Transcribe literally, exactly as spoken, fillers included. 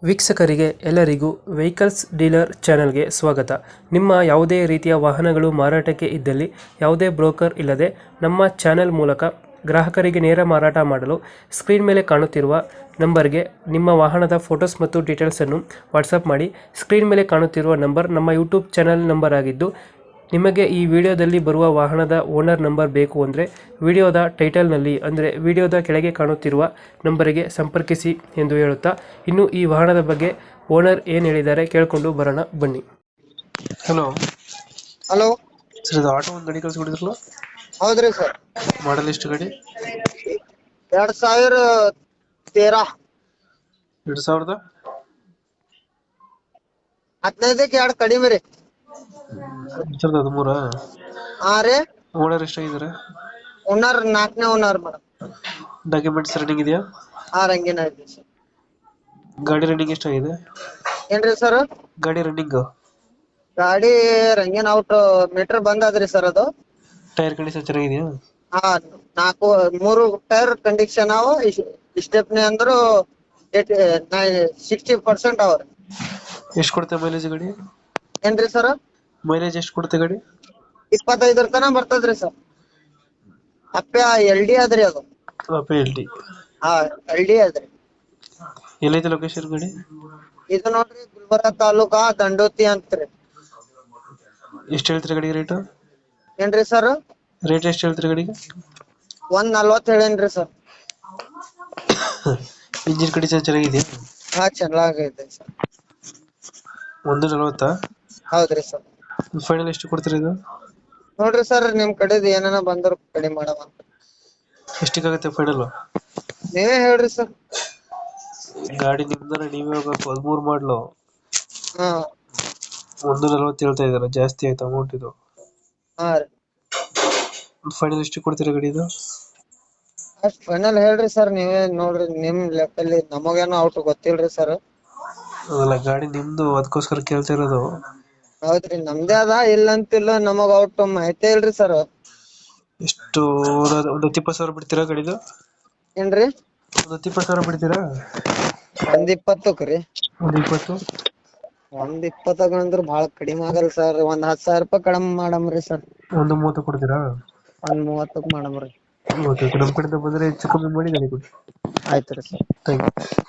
ವೀಕ್ಷಕರಿಗೆ ಎಲ್ಲರಿಗೂ vehicles dealer ಚಾನೆಲ್ಗೆ ಸ್ವಾಗತ. ನಿಮ್ಮ ಯಾವುದೇ ರೀತಿಯ ವಾಹನಗಳು ಮಾರಾಟಕ್ಕೆ ಇದ್ದಲ್ಲಿ ಯಾವುದೇ ಬ್ರೋಕರ್ ಇಲ್ಲದೆ ನಮ್ಮ ಚಾನೆಲ್ ಮೂಲಕ ಗ್ರಾಹಕರಿಗೆ ನೇರ ಮಾರಾಟ ಮಾಡಲು ಸ್ಕ್ರೀನ್ ಮೇಲೆ ಕಾಣುತ್ತಿರುವ ನಂಬರ್ಗೆ ನಿಮ್ಮ ವಾಹನದ ಫೋಟೋಸ್ ಮತ್ತು ಡೀಟೇಲ್ಸನ್ನು ವಾಟ್ಸಪ್ ಮಾಡಿ. ಸ್ಕ್ರೀನ್ ಮೇಲೆ ಕಾಣುತ್ತಿರುವ ನಂಬರ್ ನಮ್ಮ ಯೂಟ್ಯೂಬ್ ಚಾನೆಲ್ ನಂಬರ್ ಆಗಿದ್ದು, ನಿಮಗೆ ಈ ವಿಡಿಯೋದಲ್ಲಿ ಬರುವ ವಾಹನದ ಓನರ್ ನಂಬರ್ ಬೇಕು ಅಂದರೆ ವಿಡಿಯೋದ ಟೈಟಲ್ನಲ್ಲಿ ಅಂದರೆ ವಿಡಿಯೋದ ಕೆಳಗೆ ಕಾಣುತ್ತಿರುವ ನಂಬರಿಗೆ ಸಂಪರ್ಕಿಸಿ ಎಂದು ಹೇಳುತ್ತಾ, ಇನ್ನು ಈ ವಾಹನದ ಬಗ್ಗೆ ಓನರ್ ಏನು ಹೇಳಿದ್ದಾರೆ ಕೇಳಿಕೊಂಡು ಬರೋಣ ಬನ್ನಿ. ಹಲೋ ಹಲೋ ಸರ್, ಇದು ಆಟೋ ಒಂದು ಗಾಡಿ ಕಳಿಸ್ಕೊಡಿದ್ರಲ್ಲ, ಹೌದ್ರಿ ಸರ್. ಮಾಡಲ್ ಎಷ್ಟು ಗಾಡಿ? ಎರಡ್ ಸಾವಿರ ತೇರಾ ಎರಡು ಸಾವಿರದ ಹದಿನೈದಕ್ಕೆ ಎರಡು ಕಡಿಮೆ ರೀ. ಎರಡು ಸಾವಿರದ ಹದಿಮೂರ ಹಾ ರೀ. ಓನರ್ ಎಷ್ಟಾಗಿದ್ದಾರೆ? ಓನರ್ ನಾಲ್ಕನೇ ಓನರ್ ಮೇಡಮ್. ಡಾಕ್ಯುಮೆಂಟ್ಸ್ ರನ್ನಿಂಗ್ ಇದೆಯಾ? ಹಾ ರಂಗೇನ ಐತಿ ಸರ್. ಗಾಡಿ ರನ್ನಿಂಗ್ ಎಷ್ಟಾಗಿದೆ? ಏನ್ರಿ ಸರ್? ಗಾಡಿ ರನ್ನಿಂಗ್ ಗಾಡಿ ರಂಗೇನ್ ಔಟ್ ಮೀಟರ್ ಬಂದದ್ರಿ ಸರ್. ಅದು ಟೈರ್ ಕಂಡೀಷನ್ ಚೆನ್ನಾಗಿದೆಯಾ? ಹಾ ನಾಲ್ಕು ಮೂರು ಟೈರ್ ಕಂಡೀಷನ್ ಅವ. ಸ್ಟೆಪ್ನಿ ಅಂದ್ರು ಸಿಕ್ಸ್ಟಿ ಪರ್ಸೆಂಟ್ ಅವ್ರಿ. ಎಷ್ಟು ಕೊಡುತ್ತೆ ಮೈಲೇಜ್ ಗಾಡಿ? ಏನ್ರಿ ಸರ್? ಮೈಲೇಜ್ ಎಷ್ಟು ಕೊಡುತ್ತೆ ಗಾಡಿ? ಇಪ್ಪತ್ತೈದರ ತನ ಬರ್ತದ್ರಿ ಸರ್. ಅಪ್ಪ ಎಲ್ ಡಿ ಅದ್ರಿ ಅದು. ಎಲ್ ಡಿ ಹಾ ಎಲ್ ಡಿ ಅದ್ರಿ. ಎಲ್ಲೈತೆ ಲೊಕೇಶನ್ ಗಾಡಿ? ಇದು ನೋಡ್ರಿ ಗುಲ್ಬರ್ಗ ತಾಲೂಕಾ ದಂಡೋತಿ ಅಂತ್ರಿ. ಎಷ್ಟು ಹೇಳ್ತೀರಿ ಗಾಡಿಗೆ ರೇಟ್? ಏನ್ರಿ ಸರ್? ರೇಟ್ ಎಷ್ಟು ಹೇಳ್ತೀರಿ ಗಾಡಿಗೆ? ಒಂದ್ ನಲ್ವತ್ ಹೇಳೇನ್ರಿ ಸರ್. ಇಂಜಿನ್ ಕಂಡೀಷನ್ ಚೆನ್ನಾಗಿದೆಯಾ? ಹಾ ಚೆನ್ನಾಗೈತೆ ಸರ್. ಒಂದು ನಲವತ್ತಾ? ಹೌದ್ರಿ ಸರ್. ಫೈನಲ್ ಎಷ್ಟು ಕೊಡ್ತೀರಿ ಇದು? ನೋಡ್ರಿ ಸರ್, ನಿಮ್ ಕಡೆದ್ ಏನಾನ ಬಂದ್ರು ಕಡಿಮೆ ಮಾಡವ. ಎಷ್ಟಕ್ಕಾಗತ್ತೆ ಫೈನಲ್? ನೀವೇ ಹೇಳ್ರಿ ಸರ್. ಗಾಡಿ ನಿಮ್ದನ ನೀವೇ ಹೋಗ್ಬೇಕು. ಹದಿಮೂರು ಮಾಡ್ಲು ಹಾ ಒಂದು ನಲವತ್ತು ಹೇಳ್ತಾ ಇದಾರೆ, ಜಾಸ್ತಿ ಆಯ್ತು ಅಮೌಂಟ್ ಇದು. ಹಾ ರೀ. ಫೈನಲ್ ಎಷ್ಟು ಕೊಡ್ತೀರಿ ಗಾಡಿ ಇದು? ಅಷ್ಟ್ ಫೈನಲ್ ಹೇಳ್ರಿ ಸರ್. ನೀವೇ ನೋಡ್ರಿ, ನಿಮ್ ಲೆಕ್ಕಲ್ಲಿ ನಮಗೇನೋ ಔಟ್ ಗೊತ್ತಿಲ್ರಿ ಸರ್. ಅದಲ್ಲ, ಗಾಡಿ ನಿಮ್ದು, ಅದಕ್ಕೋಸ್ಕರ ಕೇಳ್ತಾ ಇರೋದು. ಹೌದ್ರಿ, ನಮ್ದೇ ಅದ, ಇಲ್ಲ ಅಂತಿಲ್ಲ. ನಮಗ ಔಟ್ ಮಾಹಿತಿ ಇಲ್ರಿ ಸರ್. ಎಷ್ಟು ಒಂದು ಹತ್ತು ಇಪ್ಪತ್ತು ಸಾವಿರ ಬಿಡ್ತೀರಾ ಗಾಡಿದು? ಏನ್ರಿ? ಒಂದು ಹತ್ತು ಇಪ್ಪತ್ತು ಸಾವಿರ ಬಿಡ್ತೀರಾ? ಒಂದ್ ಇಪ್ಪತ್ತಕ್ ರೀ. ಒಂದು ಇಪ್ಪತ್ತು ಒಂದ್ ಇಪ್ಪತ್ತಾಗ ಅಂದ್ರ ಬಾಳ ಕಡಿಮೆ ಆಗಲ್ ಸರ್. ಒಂದ್ ಹತ್ತು ಸಾವಿರ ರೂಪಾಯಿ ಕಡಿಮೆ ಮಾಡಮ್ರಿ ಸರ್. ಒಂದು ಮೂವತ್ತು ಕೊಡ್ತೀರಾ? ಒಂದ್ ಮೂವತ್ತಕ್ ಮಾಡಮ್ರಿ. ಓಕೆ, ನಮ್ಮ ಕಡೆಯಿಂದ ಬಂದ್ರೆ ಹೆಚ್ಚು ಕಮ್ಮಿ ಮಾಡಿ ಗಾಡಿ ಕೊಡಿ. ಆಯ್ತ್ರಿ ಸರ್. Thank you.